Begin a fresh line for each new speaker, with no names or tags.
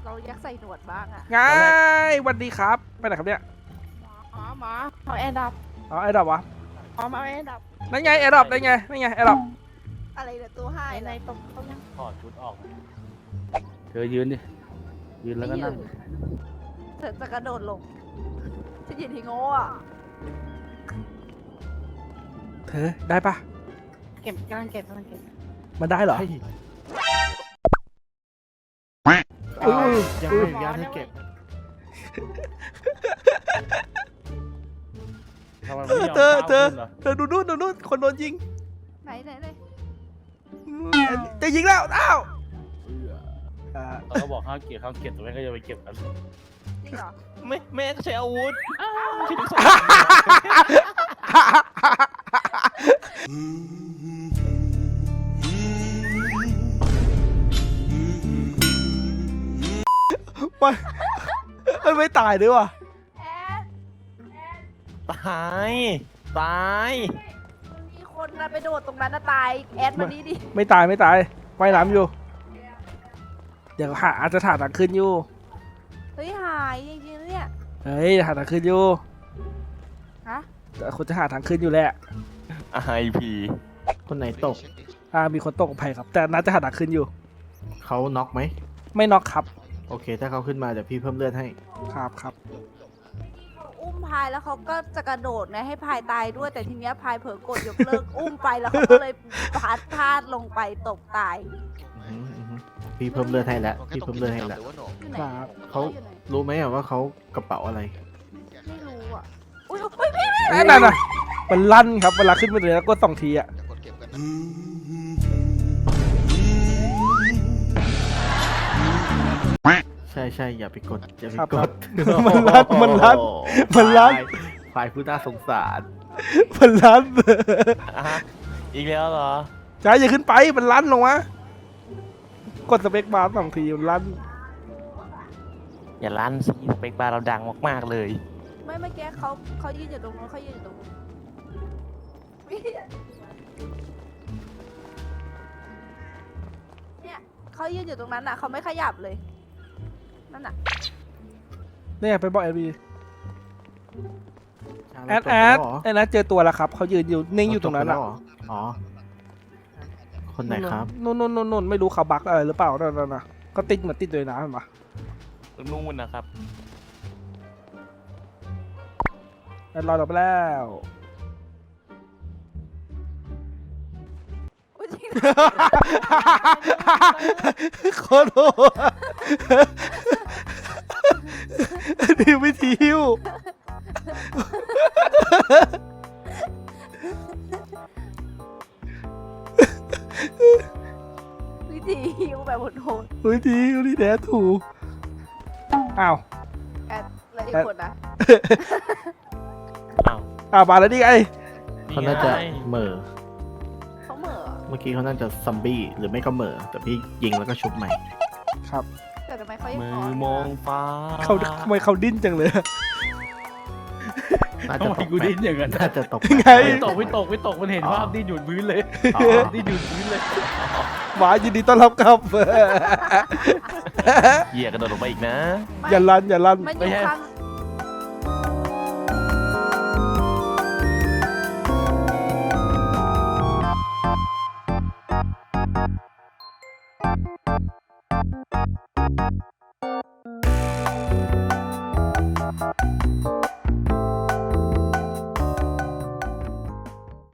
เรายักใส่หนวดบ้างอะ
ไงสวัสดีครับไปไหนครับเนี่ย
หมาเอาแอนดับ
อ๋อไอ้ดอกวะ
มาแอนดับ
นั่นไงไอ้ดอกได้ไงนั่นไงไอ้ดอก
อะไรเนี่ยตัวให้ในตบเขายัง
ถอดชุดออกเธอยืนดิยืนแล้วก็นั่ง
เธอจะกระโดดลงฉันยืนที่โง่อะ
เธอได้ปะ
เก็บกำลังเก็บ
มันได้เหรอ
ยังไม่อนุญาตให้เก็บ
เธอดูนู่นคนโดนยิง
ไหน
จะยิงแล้วอ้าว
เราก็บอกห้ามเก็บแต่แม่ก็จะไปเก็บกัน
จริงเหรอ
แม่ก็ใช้อาวุธ
มันไม่ตายด้วยวะ
ตาย
มีคนนะไปโดดตรงนั้นนะตายแอดมานี้ดิ
ไม่ตายว่ายน้ำอยู่เดี๋ยวอาจจะถ่ายหนังขึ้นอยู่
เฮ้ยหายจริงๆเนี่ย
เฮ้ยถ่ายหนังขึ้นอยู่
ฮะ
แต่คนจะหาทางขึ้นอยู่แหละ
IP
คนไหนตก
มีคนตกภัยครับแต่น่าจะหาทางขึ้นอยู่
เขาน็อกไหม
ไม่น็อกครับ
โอเคถ้าเขาขึ้นมาเดี๋ยวพี่เพิ่มเลือดให้
ครับ
เขาอุ้มพายแล้วเขาก็จะกระโดดไงให้พายตายด้วยแต่ทีเนี้ยพายเผลอกดยกเลิกอุ้มไปแล้วเขาก็เลยพลาดลงไปตกตาย
พี่เพิ่มเลือดให้แล้วพี่เพิ่มเลือดให้แล้วเขารู้ไหมว่าเขากระเป๋าอะไร
ไม่รู้อ่ะอุ้ยพี่
นั่นน่ะมันลั่นครับเวลาขึ้นมาเลยแล้วกด2 ทีอ่ะ
ใช่อย่าไปกด
มันลั่น
ฝ่ายผู้น่าสงสาร
มันลั่น
อีกแล้วเหรอ
ใช่อย่าขึ้นไปมันลั่นลงมากดสเปคบาร์2 ทีมันลั่น
อย่าลั่นสิสเปคบาร์เราดังมากๆเลย
ไม่เมื่อกี้เขายืนอยู่ตรงนู้นเขายืนอยู่ตรงนู้นเนี่ยเขายืนอยู่ตรงนั้นน่ะเขาไม่ขยับเลยนั่นน่ะ
เนี่ยไปบอกแอดเจอตัวแล้วครับเขายืนอยู่นิ่งอยู่ตรงนั้นอ่ะ
อ๋อคนไหนครับ
นู่นไม่รู้เขาบักอะไรหรือเปล่านั่นน่ะก็ติดเหมือนติดเลยนะเห็นปะ
นู่นนะครับ
รอเราไปแล้วโคตรโหดดิวไม่ทิว
วิธีฮิวแบบโหด
วิธีฮิวนี่แท้ถูกอ้าว
แอดแล้วอีกคนนะ
มาแล้วดิไง
เขาน่าจะเหม่อ
เขาเหม่อ
เมื่อกี้เขาน่าจะซัมบี้หรือไม่ก็เหม่อแต่พี่ยิงแล้วก็ชุบใหม่
ครับ
แต่ทำไมเขายัง
มองฟ้า
ทำไมเขาดิ้นจังเลย
น่าจะตกกูดิ้นอย่างนั้นน่าจะตก
ไง
ไม่ตกมันเห็นภาพดิ้นหยุดพื้นเลยดิ้นหยุดพื้นเลย
หมายินดีต้อนรับครับ
เหยียกระโดดลงไปอีกนะ
อย่าลั่น
มันอยู่ข้าง